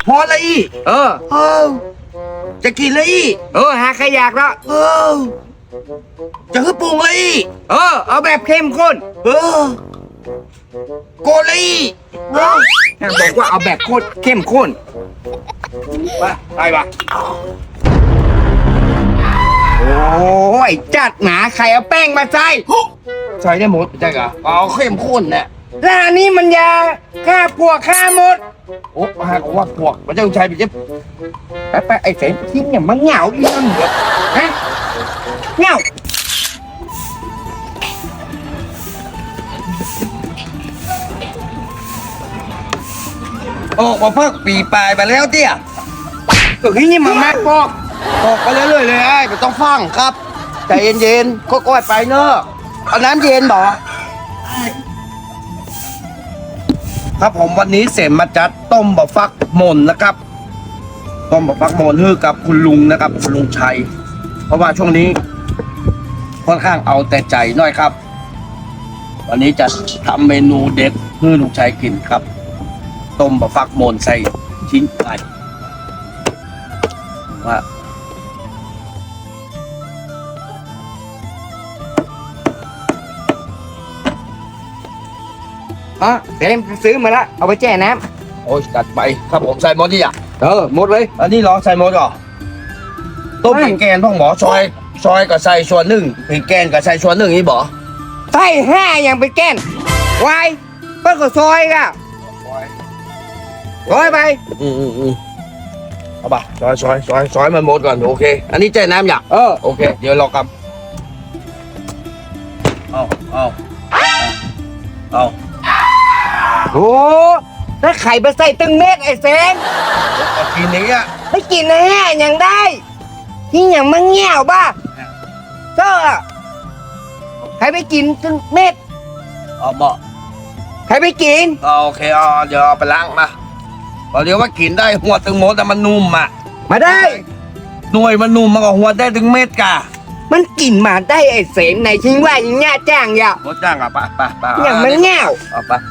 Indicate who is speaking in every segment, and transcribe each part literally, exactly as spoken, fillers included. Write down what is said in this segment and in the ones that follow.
Speaker 1: พอเลยอี
Speaker 2: เออ
Speaker 1: เออจะกินเลยอี
Speaker 2: เออหาใครอยากแล้ว
Speaker 1: เออจะให้ปรุงเลยอี
Speaker 2: เออเอาแบบเข้มข้น
Speaker 1: เออโกเลยอีเออ
Speaker 2: บอกว่าเอาแบบโคตรเข้มข้น
Speaker 1: ไปไปปะ
Speaker 2: โอ้ยจัดหนาใครเอาแป้งมาใส่
Speaker 1: ใส่ได้หมดใช่กะเอาเข้มข้นเนี่ย
Speaker 2: ร้านนี้มันยาฆ่าปวกฆ่าหมด
Speaker 1: โอ้หากว่าพวกมันจะใช้ไปเจ็บ
Speaker 2: ไปไปไอ้เสมทิ้งเนี่ยมันเหงาอีนั่นเหรอฮะเหงา
Speaker 1: ออกมาพักปีปลายไปแล้วเตี้ย
Speaker 2: ก็ที่นี่มันมากบอก
Speaker 1: ออกไปเรื่อยๆเลยไอ้ไม่ต้องฟังครับใจเย็นๆค่อยๆไปเนอะเอาน้ำเย็นบ่ครับผมวันนี้เสมมาจัดต้มบะฟักหม่นนะครับต้มบะฟักหม่นฮือกับคุณลุงนะครับคุณลุงชัยเพราะว่าช่วงนี้ค่อนข้างเอาแต่ใจหน่อยครับวันนี้จะทำเมนูเด็ดฮือลุงชัยกินครับต้มบะฟักหม่นใส่ชิ้นไก่ว่า
Speaker 2: อ๋อเสมซื้อมาแล้วเอาไปแช่น้
Speaker 1: โอ้ยจัดไปครับผมใส่หมดดิอ่ะ
Speaker 2: ำเออหมดเลย
Speaker 1: อันนี้เหรอใส่หมดเหรอต้มเป็นแกนพ่อหมอซอยซอยกับใส่ส่วนหนึ่งเป็นแกนกับใส่ส่วนหนึ่งนี่บ่
Speaker 2: ใส่ห้าอย่างไปแก้นวายเปิ้ลก็ซอยก่ะซอยไป
Speaker 1: อืมอืมอืมเอาป่ะซอยซอยซอยซอยมันหมดก่อนโอเคอันนี้แจ้น้ำอยาก
Speaker 2: เออ
Speaker 1: โอเคเดี๋ยวรอกับเอาเอาเอา
Speaker 2: โอ้แล้วไข่ไปใส่ตึงเม็ดไอ้เซน
Speaker 1: กินนี้อ่ะ
Speaker 2: ไม่กินนะฮะยังได้ที่อย่างมังเงี้ยวบ้าก็ใครไปกินตึงเม็ด
Speaker 1: เอาบ่
Speaker 2: ใครไปกิน
Speaker 1: โอเคเอาเดี๋ยวเอาไปล้างมาเดี๋ยวว่ากินได้หัวตึงหมดแต่มันนุ่มอ่ะ
Speaker 2: มาได้
Speaker 1: หน่วยมันนุ่มมันก็หัวได้ถึงเม็ดกะ
Speaker 2: มันกินมาได้ไอ้เสมในทิ้งว่ายิงง่าจ้างอย่า
Speaker 1: โคจ้างอ่ะปะปะปะ
Speaker 2: อย่างมันเงี้ยว
Speaker 1: เอาไป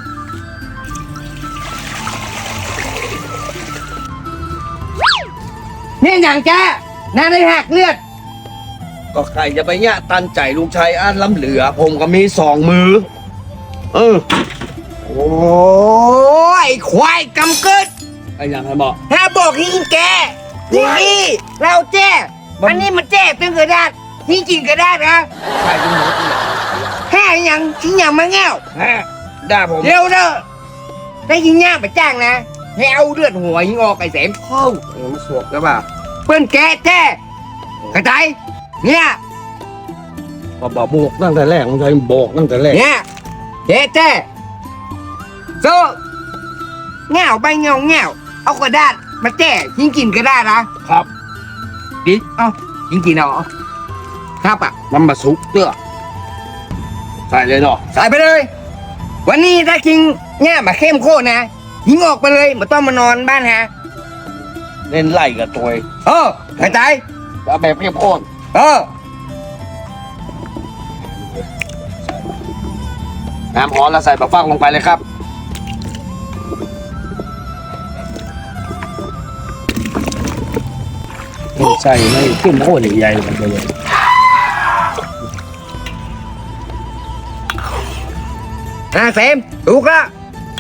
Speaker 2: เนี่ยอย่างแกน่าได้หักเลือด
Speaker 1: ก็ใครจะไปเนี่ยตันใจลุงชัยอันล้ำเหลือผมก็มีสองมือเออ
Speaker 2: โอ้ยควายกำกึด
Speaker 1: ไอ้ยังไงบอก
Speaker 2: ถ้าบอกที่แกนี่เราแจ้อันนี้มันแจ้เป็นกระดาษที่กินกระดาษนะ
Speaker 1: ใครเป็นหมด
Speaker 2: แค่ยังทิ้งอย่างมาแง่ว
Speaker 1: ได้ผม
Speaker 2: เร็วเด้อได้ยิงย่างไปจ้างนะให้เอาเลือดหัวยิงออกไอ้เสม
Speaker 1: เข้าเออมันสวกแล้วป่ะ
Speaker 2: เปิ้นแกแจ้กระจายเนี่ย
Speaker 1: บอกบอกบอกตั้งแต่แรกลุงชัยบอกตั้งแต่แรก
Speaker 2: เนี่ยแกแจ้โซ่แง่วไปเงาแง่วเอากระดาษมาแจ้ยิงกินกระดาษนะครับดิเอ้ายิงกินเอาครับอ่ะ
Speaker 1: มันมาสุกเตื้อใส่เลยเนาะ
Speaker 2: ใส่ไปเลยวันนี้ถ้ากินเนี่ยมาเข้มข้นนะยิงออกไปเลยไม่ต้องมานอนบ้านฮะ
Speaker 1: เล่นไล่กับตัว
Speaker 2: เออกระจาย
Speaker 1: แล้วแบบเข้มข้น
Speaker 2: เออ
Speaker 1: น้ำร้อนแล้วใส่ปลาฟักลงไปเลยครับใส่ไม่เข้มข้นใหญ่ๆมันเลย
Speaker 2: อ่ะเซมถูกละ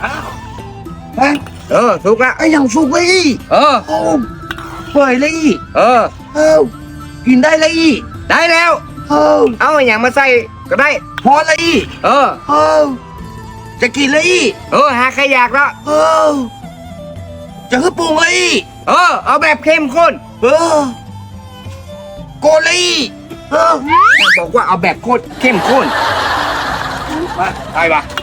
Speaker 2: เออถูกละ
Speaker 1: ไอ้ยังสุกเลย
Speaker 2: เออ
Speaker 1: โอ้เปื่อยเลย
Speaker 2: เออ
Speaker 1: เออกินได้เลย
Speaker 2: ได้แล้ว
Speaker 1: เออ
Speaker 2: เอาอย่างมาใส่ก็ได้
Speaker 1: พอเลย
Speaker 2: เออ
Speaker 1: เออจะกินเลย
Speaker 2: เออหาใครอยากแล้ว
Speaker 1: เออจะให้ปรุงเลย
Speaker 2: เออเอาแบบเข้มข้น
Speaker 1: เออโกเลยเออ
Speaker 2: บอกว่าเอาแบบโคตรเข้มข้น
Speaker 1: มาไปปะ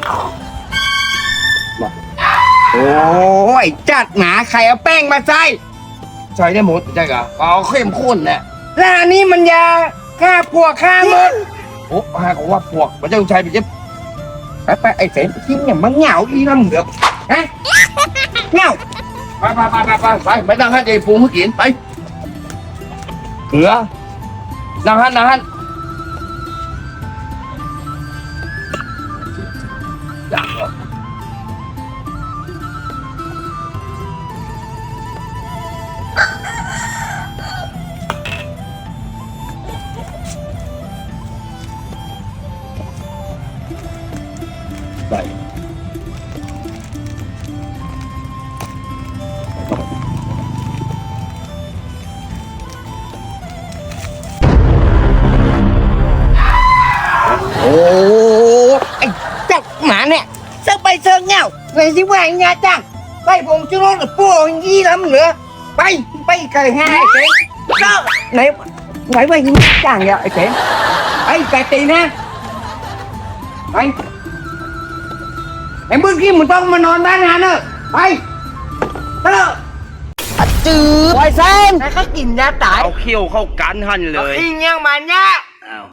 Speaker 2: โอ้ยจัดหนาใครเอาแป้งมาใส่
Speaker 1: ใส่ได้หมดใช่กะเอาเข้มข้นเนี่ย
Speaker 2: ร้านนี้มันยาฆ่าปวกฆ่าหมด
Speaker 1: โอ้ฮะก็ว่าพวกมันจะใช้ไปเจ็บ
Speaker 2: ไปไปไอ้เสมทิ้งเนี่ยมันเหงาอีนั่นเหรอฮะเหงา
Speaker 1: ไปไปไปไปไปไม่ต้องให้ใจฟูให้กินไปเหือนั่งหันนั่งหัน
Speaker 2: หมาเนี่ยเสิร์ฟไปเสิร์ฟเงาไงสิว่าไงจ้างไปผมจะรถกับปู่ยี่ล้ำเหลือไปไปไก่ห้าไอ้เก๋เจ้าไหนไหนว่ายิงจ้างเนี่ยไอ้เก๋ไอ้ไก่ตีนะไปไอ้เมื่อกี้มึงต้องมานอนบ้านนะเนอะไปเถอะจืดไวเซนแล้วก็กินยาตาย
Speaker 1: เอาเขี้ยวเข้ากันหันเลย
Speaker 2: อิงยังมันเนี่ย